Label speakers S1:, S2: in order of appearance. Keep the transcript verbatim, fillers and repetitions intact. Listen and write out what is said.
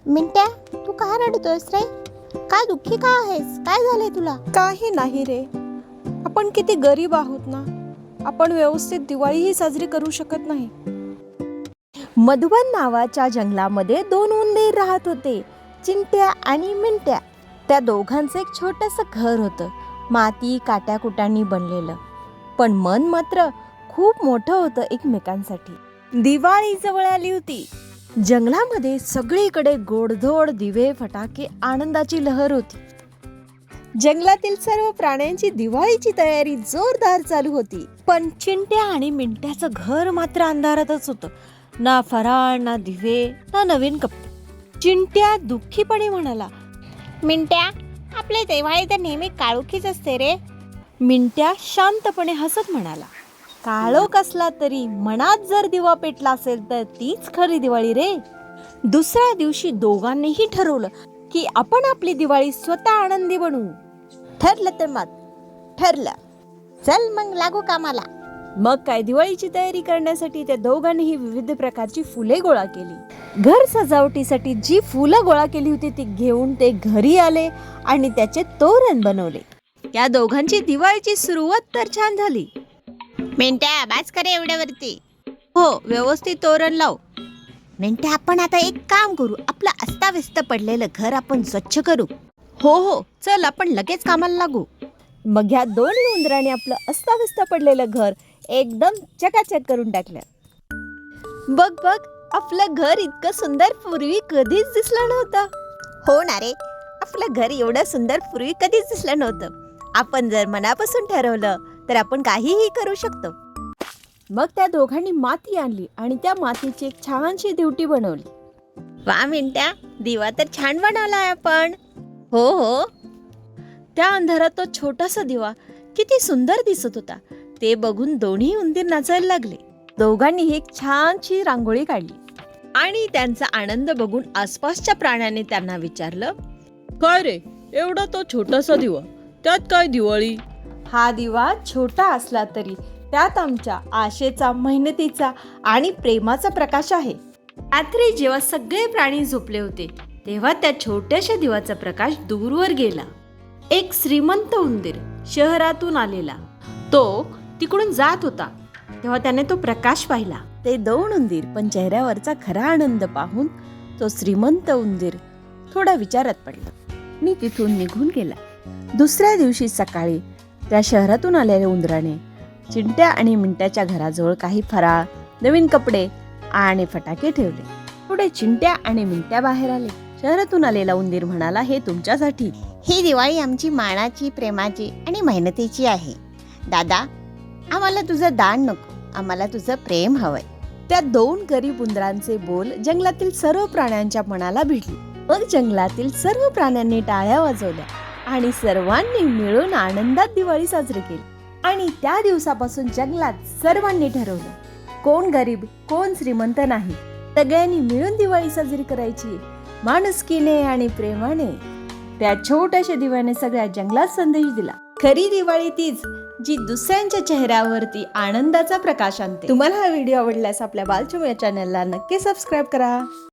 S1: मिंट्या, तू का रडतोयस रे? का दुःखी का आहेस? काय झालंय तुला?
S2: काही नाही रे, आपण किती गरीब आहोत ना, आपण व्यवस्थित दिवाळीही साजरी करू शकत नाही.
S1: मधुबन नावाच्या जंगलामध्ये दोन उंदीर राहत होते, चिंट्या आणि मिंट्या. त्या दोघांचं एक छोटंसं घर होतं, माती काट्याकुटांनी बनलेलं. पण मन मात्र खूप मोठं होतं एकमेकांसाठी. दिवाळी जवळ आली होती. जंगलामध्ये सगळीकडे गोडधोड दिवे, फटाके, आनंदाची लहर होती. जंगलातील सर्व प्राण्यांची दिवाळीची तयारी जोरदार चालू होती. पण चिंट्या आणि मिंट्याचं घर मात्र अंधारातच होतं. ना फराळ, ना दिवे, ना नवीन कपडे. चिंट्या दुःखीपणे म्हणाला, मिंट्या, आपले दिवाळी तर नेहमी काळोखीच असते रे. मिंट्या शांतपणे हसत म्हणाला, काळोख असला तरी मनात जर दिवा पेटला असेल तर तीच खरी दिवाळी रे. दुसऱ्या दिवशी दोघांनीही ठरवलं की आपण आपली दिवाळी स्वतः आनंदी बनवू. ठरलं तर मग ठरलं, चल मग लागू कामाला. मग काय, दिवाळीची तयारी करण्यासाठी त्या दोघांनीही विविध प्रकारची फुले गोळा केली. घर सजावटीसाठी जी फुलं गोळा केली होती ती घेऊन ते घरी आले आणि त्याचे तोरण बनवले. या दोघांची दिवाळीची सुरुवात तर छान झाली. मिंट्या, बाज करे एवढ्यावरती. हो, व्यवस्थित तोरण लाव. मिंट्या, आपण आता एक काम करू, आपलं अस्ताव्यस्त पडलेलं घर आपण स्वच्छ करू. हो हो, चल आपण लगेच कामाला लागू. मग ह्या दोन उंदराने आपलं अस्ताव्यस्त पडलेलं घर एकदम चकाचक करून टाकलं. बघ बघ, आपलं घर इतकं सुंदर पूर्वी कधीच दिसलं नव्हतं. हो ना रे, आपलं घर एवढं सुंदर पूर्वी कधीच दिसलं नव्हतं. आपण जर मनापासून ठरवलं तर आपण काहीही करू शकतो. मग त्या दोघांनी माती आणली आणि त्या मातीची एक छानशी दिवटी बनवली. वा मिंट्या, दिवा तर छान बनवलाय आपण. हो हो. त्या अंधारात तो छोटासा दिवा किती सुंदर दिसत होता ते बघून दोन्ही उंदीर नाचायला लागले. दोघांनी एक छानशी रांगोळी काढली आणि त्यांचा आनंद बघून आसपासच्या प्राण्यांनी त्यांना विचारलं,
S2: काय रे, एवढा तो छोटासा दिवा, त्यात काय दिवाळी?
S1: हा दिवा छोटा असला तरी त्यात आमच्या आशेचा, मेहनतीचा आणि प्रेमाचा प्रकाश आहे. रात्री जेव्हा सगळे प्राणी झोपले होते तेव्हा त्या छोट्याशा दिवाचा प्रकाश दूरवर गेला. एक श्रीमंत उंदीर शहरातून आलेला, तो तिकडून जात होता तेव्हा त्याने तो प्रकाश पाहिला. ते दोन उंदीर पण चेहऱ्यावरचा खरा आनंद पाहून तो श्रीमंत उंदीर थोडा विचारात पडला आणि तिथून निघून गेला. दुसऱ्या दिवशी सकाळी त्या शहरातून आलेल्या उंदराने चिंट्या आणि मिंट्याच्या घराजवळ काही फराळ, नवीन कपडे आणि फटाके ठेवले. पुढे चिंट्या आणि मिंट्या बाहेर आले. शहरातून आलेला उंदीर म्हणाला, हे तुमच्यासाठी.
S3: ही दिवाळी आमची मानाची, प्रेमाची आणि मेहनतीची आहे. दादा, आम्हाला तुझं दान नको, आम्हाला तुझं प्रेम हवंय.
S1: त्या दोन गरीब उंदरांचे बोल जंगलातील सर्व प्राण्यांच्या मनाला भिडले. मग जंगलातील सर्व प्राण्यांनी टाळ्या वाजवल्या आणि सर्वांनी मिळून आनंदात दिवाळी साजरी केली. आणि त्या दिवसापासून जंगलात सर्वांनी ठरवलं, कोण गरीब कोण श्रीमंत नाही, सगळ्यांनी मिळून दिवाळी साजरी करायची, माणुसकीने आणि प्रेमाने. त्या छोट्याशा दिव्याने सगळ्या जंगलात संदेश दिला, खरी दिवाळी तीच जी दुसऱ्यांच्या चेहऱ्यावरती आनंदाचा प्रकाश आणते. तुम्हाला हा व्हिडिओ आवडल्यास आपल्या बालचूम या चॅनलला नक्की सबस्क्राईब करा.